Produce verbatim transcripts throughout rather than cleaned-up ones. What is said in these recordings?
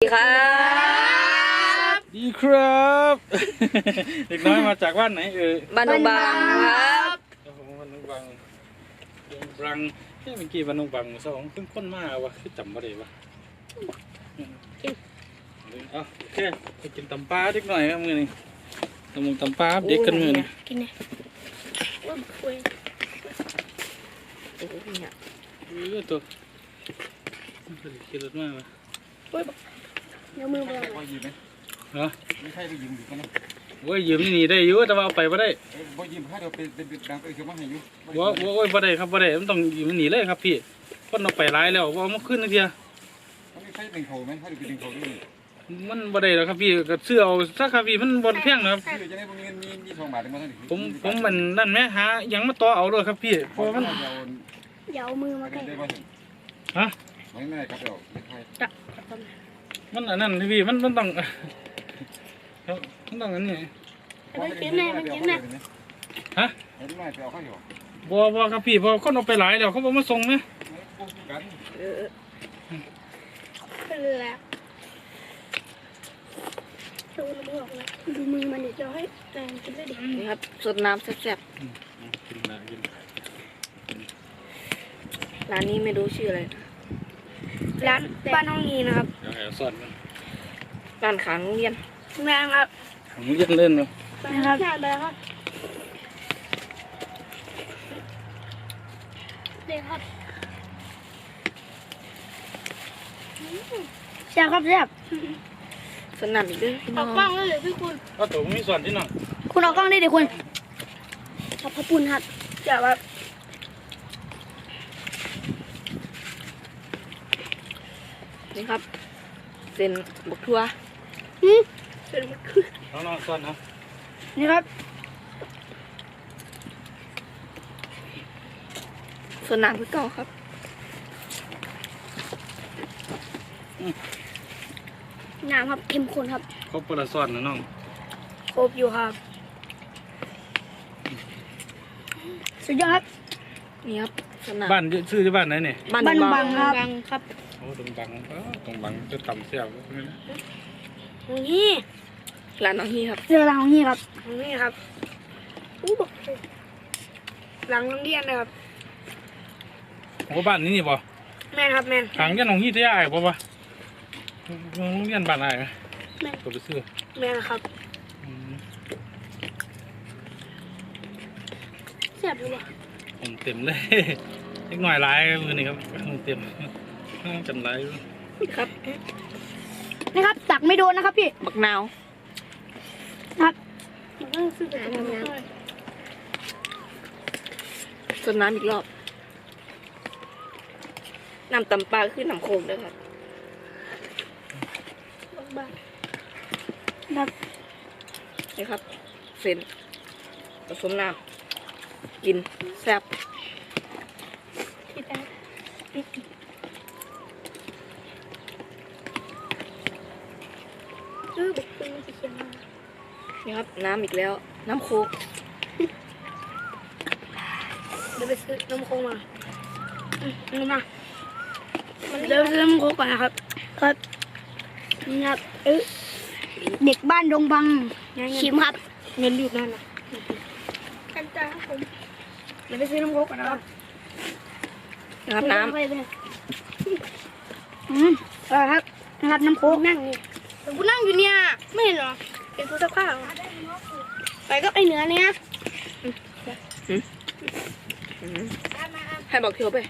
ดีครับดีครับเด็กน้อยมาจากบ้านไหนเอ่ยบ้านดงบางครับบ้านดงบางดงบางเฮ้ยเมื่อกี้บ้านดงบางสองขึ้นค้นมากวะคือจำไม่ได้วะเอาโอเคไปกินตำปลาเด็กหน่อยครับมือนี่ตำมงตำปลาเด็กกันมือนี่กินเนี่ยว่าคุยโอ้โหเนี่ยเออตัวกินรสมากวะเดี๋ยวมือเบลอยืมไหมฮะไม่ใช่ไปยืมอยู่กันนะโอ้ยยืมนี่ได้อยู่แต่ว่าเอาไปไม่ได้บ่ยืมถ้าเราเป็นเป็นดังไปเขียวมาให้อยู่ว่าโอ้ยไม่ได้ครับไม่ได้มันต้องยืมมันหนีเลยครับพี่คนเราไปร้ายแล้วว่ามันขึ้นนิดเดียวมันไม่ใช่ดึงเขาไหมถ้าเราไปดึงเขาด้วยมันบ่ได้แล้วครับพี่ก็เสื้อเอาสักครับพี่มันบนเพียงนะครับคือจะได้พวกเงินมีมีทองบาทมาเท่าไหร่ผมผมมันนั่นไหมหายังมาต่อเอาเลยครับพี่เพราะมันเดี๋ยวมือมาใกล้ฮะไม่ไม่ครับเดี๋ยวไม่ใช่มันอันนั้นพี่มันมันต้องมันต้องอันนี้มันกินแน่มันกินแน่ฮะไม่ไม่ไปเอาข้าวอยู่บัวบัวครับพี่พอคนเอาไปหลายแล้วเขาบอกมาส่งไหมเออเป็นแล้วดูมือออกนะดูมือมันเดี๋ยวจะให้แรงกินได้ดีนี่ครับสดน้ำแซ่บๆกินนะกินร้านนี้ไม่รู้ชื่ออะไรร้านบ้านน้องนีนะครับเดี๋ยวแอบสอนมันร้านขางโรงเรียนแม่ครับผมยังเล่นเนาะนะครับใช่เลยครับเด็กครับแซ่บครับแซ่บสนั่นอีกด้วยเอากล้องเลยพี่คุณก็ตัวมีส่วนที่น้องคุณเอากล้องได้เดี๋ยวคุณขอบพระคุณครับแซ่บครับนี่ครับเส้นบกทั่วเส้นบกทั่วน้องๆส่วนนะนี่ครับส่วนน้ำคือเก่าครับน้ำครับเข้มข้นครับครบปลาส่วนนะน้องครบอยู่ครับสุดยอดครับนี่ครับบ้านชื่อที่บ้านไหนเนี่ยบ้านบังครับโอ้ตรงบังตรงบังจะต่ำเสียบน้องฮี่ร้านน้องฮี่ครับเรือร้านน้องฮี่ครับน้องฮี่ครับอู้บอกหลังโรงเรียนนะครับโอ้บ้านนี้นี่ป่ะแม่ครับแม่ทางยันของยี่ที่ไอ้ป่ะป่ะโรงเรียนบ้านไอ้แม่ตัวไปซื้อแม่ครับเสียบอยู่เลยผมเต็มเลยเล็กหน่อยร้ายมือนี่ครับเต็มจำร้ายครับนี่ครับตักไม่โดนนะครับพี่บักนาวครับส่วนน้ำอีกรอบน้ำตำปลาขึ้นน้ำโคมด้วยครับครับนี่ครับเส้นผสมน้ำกินแซ่บนี่ครับน้ำอีกแล้วน้ำโคกเดี๋ยวไปซื้อน้ำโคกมานี่มาเดี๋ยวซื้อน้ำโคกก่อนนะครับครับนี่ครับเออเด็กบ้านดงบังชิมครับเงินอยู่นั่นนะกันจ้าผมเดี๋ยวไปซื้อน้ำโคกก่อนนะครับนะครับน้ำอืมเออครับนะครับน้ำโคกนั่งนี่กูนั่งอยู่เนี่ยไม่เห็นหรอเป็นผู้สักผ้าไปก็ไอเนื้อเนี่ยให้บอกเทียวไป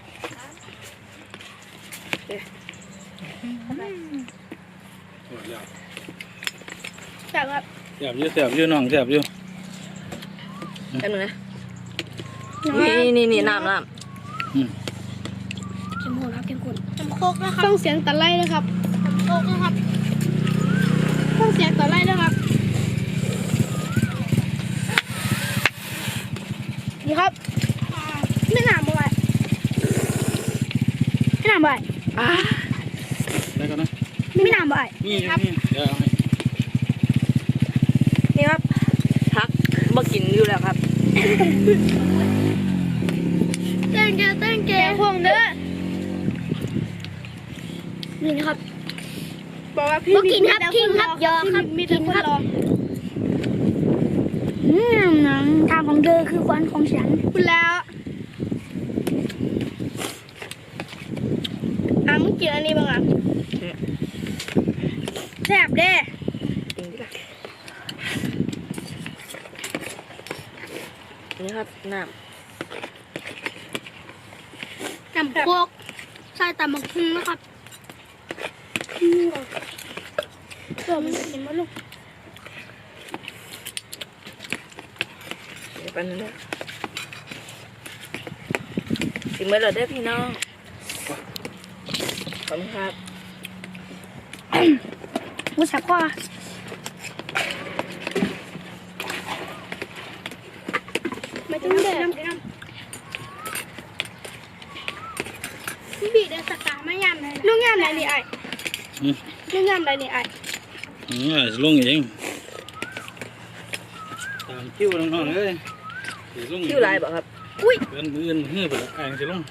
แซ่บครับแซ่บเยอะแซ่บเยอะน้องแซ่บเยอะแป๊บนึงนะนี่นี่นี่น้ำน้ำเข้มข้นครับเข้มข้นน้ำโคกนะครับต้องเสียงตะไลนะครับน้ำโคกนะครับต้องเสียงตะไลนะครับนี่ครับไม่หนามบ่อยไม่หนามบ่อยอ่าแล้วกันนะไม่หนามบ่อยนี่ครับนี่เดี๋ยวนี่ครับพักมากินอยู่แล้วครับเต้นเกเต้นเกพวงเด้อนี่นะครับบอกว่าพี่กินครับกินครับยอครับมีแต่คนรออืมหนังทางของเธอคือฟันของฉันคุณแล้วอ่ะมึงกินอันนี้บ้างอ่ะแซ่บเด้จริงดิล่ะนี่ครับน้น้ำโคกใส่ตำบักหุ่งนะครับอืมเดี๋ยวมันจะกินมาลูกำเดี๋ยวแป๊บนึงนะถึงเมื่อเราได้อพี่น้องขอบคุณครับกูสับข้อไม่ต้องเด็ดพี่บีเดินสกาไม่ยำเลยลูกยำอะไรนี่ไอ้ลูกยำอะไรนี่ไอ้อืมอ่ะสิลงเองตามคิวน้องๆเลยสิลงคิวลายบอกครับอุ้ยเอื้อนเอื้อนเฮือไปละอ่างสิลง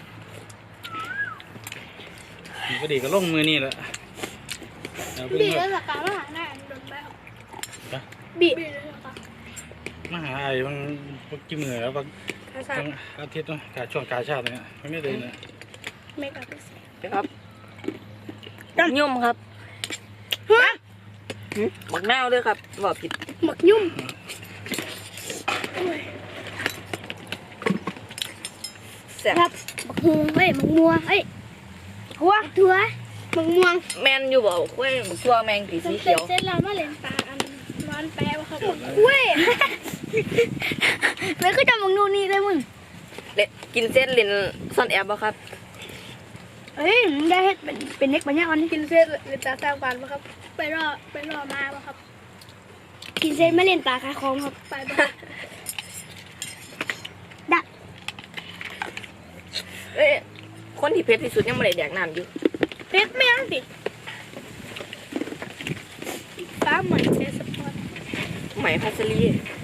นี่ก็ดีก็ลงมือนี่แหละเอาเพิ่งบีว่าเดินสกามาหาหน้าโดนแล้วไปบีเดินสกามาหาไอ้บางบางกี่มือแล้วบางภาษาบางอาทิตย์เนาะกาช่วงกาชาติเนี่ยมันไม่ได้นะไม่กับภาษานะครับยุ่มครับหึบักนาวด้วยครับบอกผิดหมักยุ่มแซ่บครับหมักฮวงเอ้ยหมักม่วงเอ้ยหัวถั่วหมักม่วงแมนอยู่บอกกล้วยบักชัวแมงสีสีเขียวเส้นเรามาเล่นปลาอันร้อนแปะวะครับกล้วยไม่คือจำหมักนู่นนี่เลยมึงเละกินเส้นเลนซ่อนแอบบ่ครับเฮ้ยมึงได้เฮ็ดเป็นเป็นเน็กปัญญาอ่อนกินเส้นเล่นตาสร้างปานปะครับ ไปรอไปรอมาปะครับ กินเส้นไม่เล่นปลาคาคองครับไปปะดักเอ้ยคนที่เพชรที่สุดยังไม่ได้แดกน้ำอยู่เพชรไม่ยังสิฟ้าเหมือนเซสปอร์ตไหมพัสลี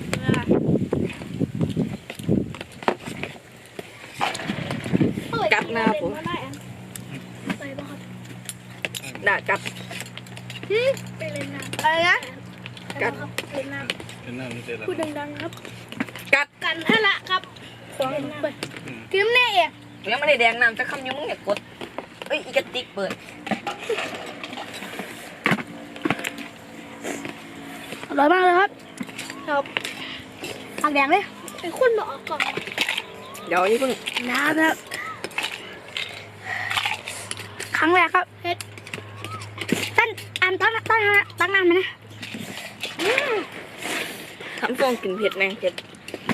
กัดหน้าผมไปปะครับด่ากัดไปเล่นน้ำอะไรนะกัดเล่นน้เป็นน้ำมันเสร็จแล้วำพูดดังๆครับกัดกันให้ละครับเล่นน้ำไปกินแน่เองยังไม่ได้แดกน้ำจะคำยุ่งเนี่ยกดเอ้ยอีกระติกเปิดอร่อยมากเลยครับครับผักแดงเลยไอ้คุณบอกออกก่อนเดี๋ยวนี่เพิ่งน้ำครับครั้งแรกครับเฮ็ดตั้นอันตั้งตั้งตั้งน้ำไหมนะทำฟองกินเผ็ดแมงเผ็ด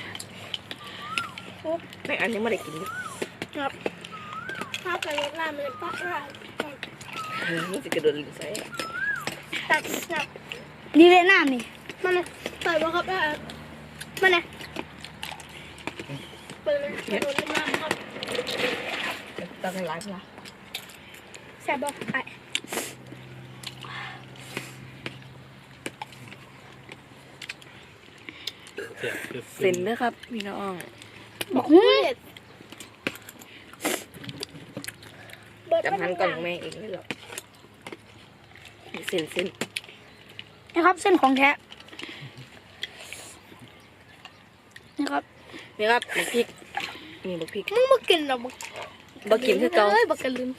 ไม่อันนี้ไม่ได้กินอยู่ครับข้าวไก่รสลามันเลยปะร้าเออนี่จะกระโดดลิ้นใส่ตัดครับนี่เลยน้ำนี่มาเลยใส่บ่ครับอ่ะมาเลยเปิดเลยกระโดดเล่นน้ำครับตักให้หลายเวลาแซ่บบ่ไอ้เสียบเสียบเซ็นเด้อครับพี่น้องบอกหุ้ยจำพันก่อนของแม่เองเลยหรอกเซ็นเซ็นนะครับเส้นของแท้นะครับนี่ครับบักพริกนี่บักพริกมึงมากินหรอบักบักกินคือเก่าเอ้ยบักกะลืม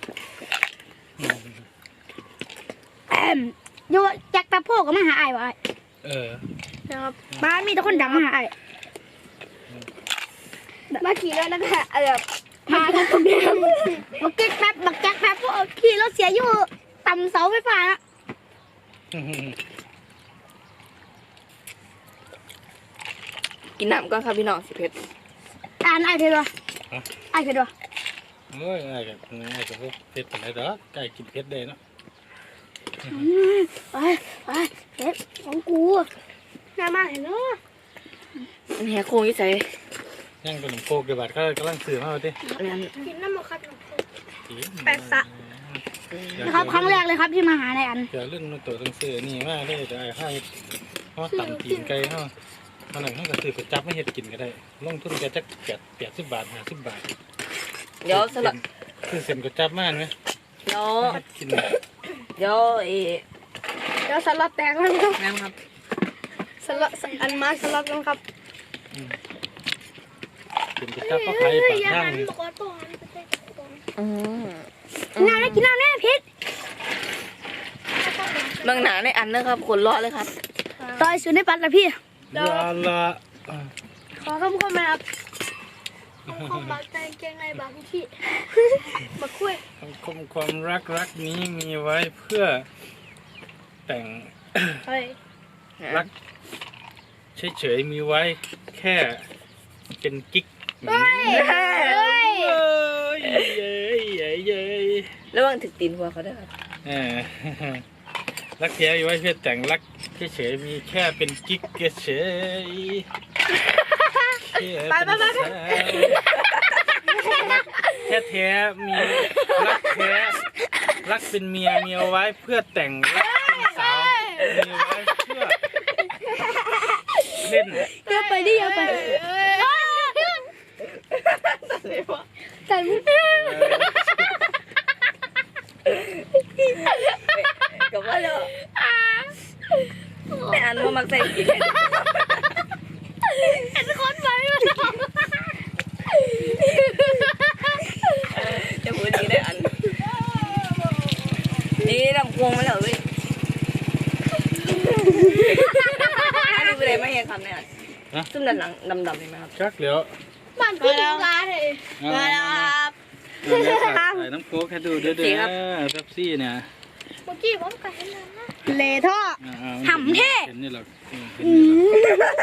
แอมโยจากตาโพกก็มาหาไอ้ายบ่ไอ้เออนะครับบ้านมีแต่คนดังมาหาไอ้ายมาขี่รถแล้วก็เออมาทางตรงนี้บักเก็ตแป๊บบักแจ็คแป๊บพวกขี่รถเสียอยู่ต่ำเสาไฟฟ้านะกินน้ำก่อนครับพี่น้องสิเผ็ดอ่านไอ้เพชรวะไอ้เพชรวะโอ้ยไอ้กับไอ้กับพวกเพชรเป็นไรดอกไก่กินเพชรได้เนาะไปไปเพชรของกูน่ามากเห็นเนาะอันนี้โค้งยี่ใส่ย่างขนมโคกเดี๋ยวบาดก็กำลังซื้อมาดิอันนั้นกินน้ำมันคัดกินแปดสะนะครับครั้งแรกเลยครับที่มาหาในอันเดี๋ยวเรื่องมันตัวต้องซื้อนี่มาได้แต่ไอ้ข้าวเขาต่ำตีนไก่เขาขนาดเขาก็ซื้อไปจับไม่เห็ดกินก็ได้ลงทุนแกจักแปดแปดสิบบาทห้าสิบบาทเดี๋ยวสลัดคือเส้นก็จับมากไหมเดี๋ยวกินเดี๋ยวเอเดี๋ยวสลัดแตกแล้วครับแม่ครับสลัดอันมาสลัดแล้วครับกินกระจับก็ใครปากข้างนี่อืมกินน้ำได้กินน้ำแน่พิษบางหนาในอันนะครับขนเลาะเลยครับต่อยสุดในปัดละพี่เดี๋ยวละขอคำคมนะครับคมบาดใจเกงในบางที่มาคุยคมความรักรักนี้มีไว้เพื่อแต่งเฮ้ยรักเฉยๆมีไว้แค่เป็นกิ๊กเฮ้ยเย้ยเย้ยเย้ยเย้ยระวังถึกตีนหัวเขาด้วยครับเออรักแท้มีไว้เพื่อแต่งรักเฉยๆมีแค่เป็นกิ๊กเฉยๆไปไปไปไปแค่แท้มีรักแท้รักเป็นเมียมีเอาไว้เพื่อแต่งรักเป็นสาวมีไว้เพื่อเล่นเยอะไปดิเยอะไปแต่ไม่กับว่าแล้วในอันว่ามักใส่กินเห็นคนไปมาจะพูดดีได้อันนี่ลำพวงมาแล้วเว้ยอันนี้เป็นอะไรไม่เห็นคำเนี่ยซุ่มด้านหลังดำๆเห็นไหมครับชักเหลียวบ้านพี่ลูกร้านเลยมาแล้วครับใส่น้ำโค้กให้ดูเด้อเด้อเป๊ปซี่เนี่ยเมื่อกี้ผมกันนะเลท่อ หำเท่เห็นนี่หรอกเห็นนี่หรอก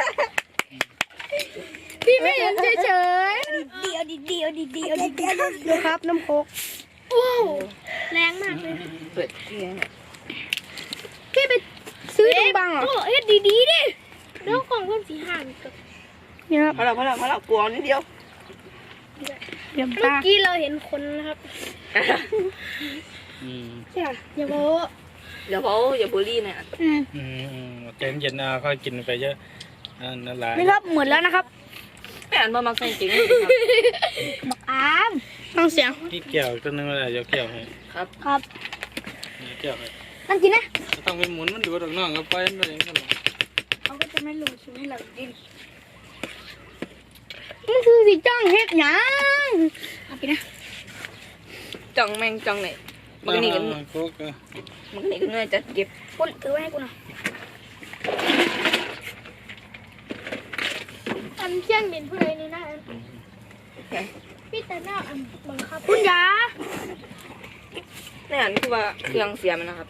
พี่ไม่เห็นเฉยๆเดียวดีเดียวดีเดียวดีเดียวดูครับน้ำโคกว้าวแรงมากเลยเปิดที่ไหนพี่ไปซื้อตรงบังเหรอเฮ็ดดีๆดิแล้วกล่องเพิ่มสีห่างกับเนี่ยครับพอเราพอเราพอเรากลัวนิดเดียวเมื่อกี้เราเห็นคนนะครับอืมอย่าโม้เดี๋ยวเขาอย่าบูลลี่นะอืมอืมอืมใจเย็นนะค่อยกินไปเยอะอ่านั่นแหละนี่ครับเหมือนแล้วนะครับไม่อ่านมามักใส่จริงครับบักอามฟังเสียงนี่แก้วตัวนึงอะไรเดี๋ยวแก้วให้ครับครับนี่แก้วให้นั่นกินนะต้องไปหมุนมันดูดอกน้องก็ไปนั่นเองนั่นแหละเขาก็จะไม่รู้ชิ้นให้เราดินนี่คือสีจ้องเฮ็ดหยังเอาไปนะจังแมงจังไหนมันก็นี่กันโค้กอ่ะมันก็นี่กันเลยจะเก็บคุณถือไว้ให้กูหน่อยอันเที่ยงบินผู้ใดนี่นะพี่แต่หน้าอันบังคับคุณยาในอันคือว่าเครื่องเสียมันนะครับ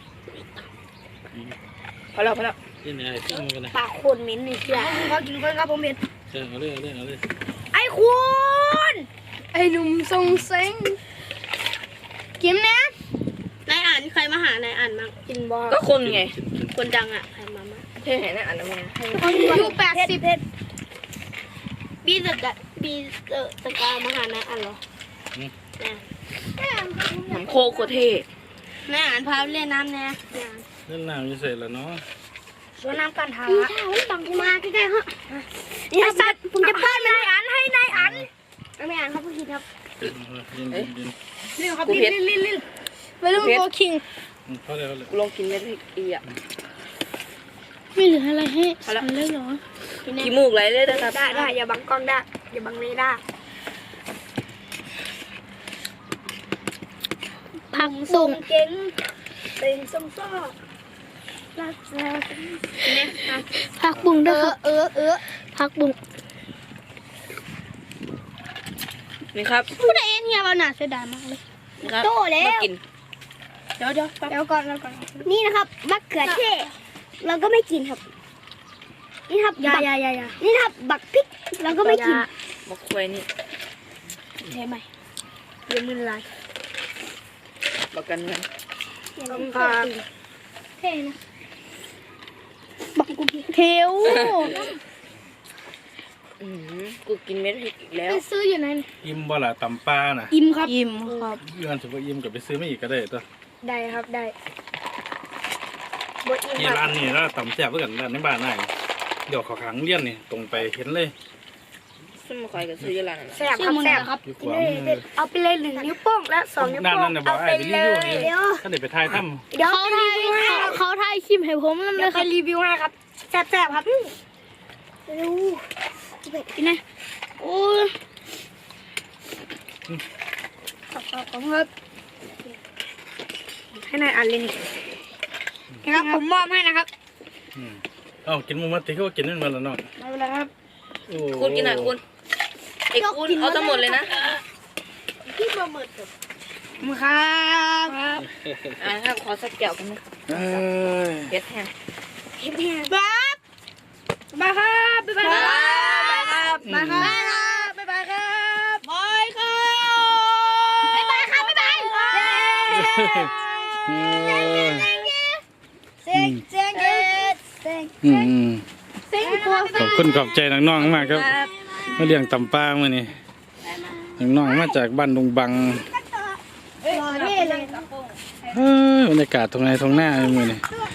พอแล้วพอแล้วที่ไหนที่มือกันนะปากคนมิ้นนี่เสียเขากินคนครับผมเห็นเออเอาเลยเอาเลยเอาเลยไอ้คุณไอ้หนุ่มทรงเซ็งกินนะนายอ่านใครมาหานายอ่านมั้งกินบอก็คนไงคนดังอ่ะใครมามั้งเท่เห็นในอันนั้นไงอายุแปดสิบบีสกะบีเออสกามาหานายอ่านเหรอแน่ผมโคโคเท่นายอ่านพาเล่นน้ำแน่เล่นน้ำจะเสร็จแล้วเนาะสวนน้ำกันทาพี่ถ้าวันบังมาใกล้ๆฮะนี่สัตว์ผมจะป้อนนายอ่านให้นายอ่านไม่อ่านครับผู้คิดครับยินยินยินเรื่องครับลิ้นลิ้นลิ้นไปเรื่องโกคิงพอแล้วเลยกูลองกินเม็ดอีอ่ะไม่เหลืออะไรให้ฉันเลยเหรอขี้มูกไหลเลยนะครับได้ได้อย่าบังกล้องได้อย่าบังเลยได้ผักส่งเก่งเป็นส้มซ้อรักเราผักบุ้งด้วยครับเออเออผักบุ้งนี่ครับผู้ใดเอ็นเฮียเราหนาเสียดายมากเลยนี่ครับโตแล้วมากินเดี๋ยวเดี๋ยวเดี๋ยวก่อนเดี๋ยวก่อนนี่นะครับมะเขือเทศเราก็ไม่กินครับนี่ครับยายายายานี่ครับบักพริกเราก็ไม่กินบักควายนี่ใช่ไหมเดี๋ยวมือลายบักกันเงินต้องการเท่นะบักกุมเทวอืมกูกินเม็ดพริกอีกแล้วไปซื้ออยู่ไหนอิ่มบ่ล่ะตำปลาน่ะอิ่มครับอิ่มครับเงินสุภาอิ่มกับไปซื้อไม่อีกก็ได้ตัวได้ครับได้บดอิ่มนี่คร้ารับนนี่ร้านตำแซ่บเพื่อนร้านในบ้านนายเดี๋ยวเขอขังเลี้ยนนี่ตรงไปเห็นเลยซุ่มคอยกับซื้ออยู่ร้านนั่นแซ่บครับแซ่บครับอยู่ขวามือเอาไปเลยหนึ่งนิ้วโป้งและสองนิ้วด้านโป้นั้งนน่ะบอเอากไอ้ไปไปรีเลวิวย นี่เดี๋ยวถ้าเด็กไปถ่ายถ้เดี๋ยวเขาไปถ่ายรีวิวให้เขาเขาถ่ายคลิปให้ผมนั่นเลเดี๋ยวยคไปรับรีวิวให้ครับแซ่บๆครับดูกินนะโอ้ยขอบคุณครับให้นายอ่านเลยนี่นะครับผมมอบให้นะครับำอืมเอ้ากินหมูมัดที่เขากินนั่นมาแล้วเนาะไม่เป็นไรครับโอ้คุณกินหน่อยคุณไอ้คุณเอาทั้งหมดเลยนะมือครับอ่าครับขอสักแก้วกันนะเอ้ยเผ็ดแห้งเฮ็ดแห้งครับบ๊ายบายครับบ๊ายบายครับบ๊ายบายครับบ๊ายบายครับบ๊ายบายครับบ๊ายบายครับบ๊ายบายครับเอ้ยเซ็งเซ็งเซ็งเซ็งอืมอืมเซ็งตัวขอบคุณขอบใจน้องๆมากครับมาเลี้ยงตำปลามื่อนี้น้องๆมาจากบ้านดงบังรอเท่เลยเฮ้ยบรรยากาศตรงไหนตรงหน้ามื่อนี้ตัว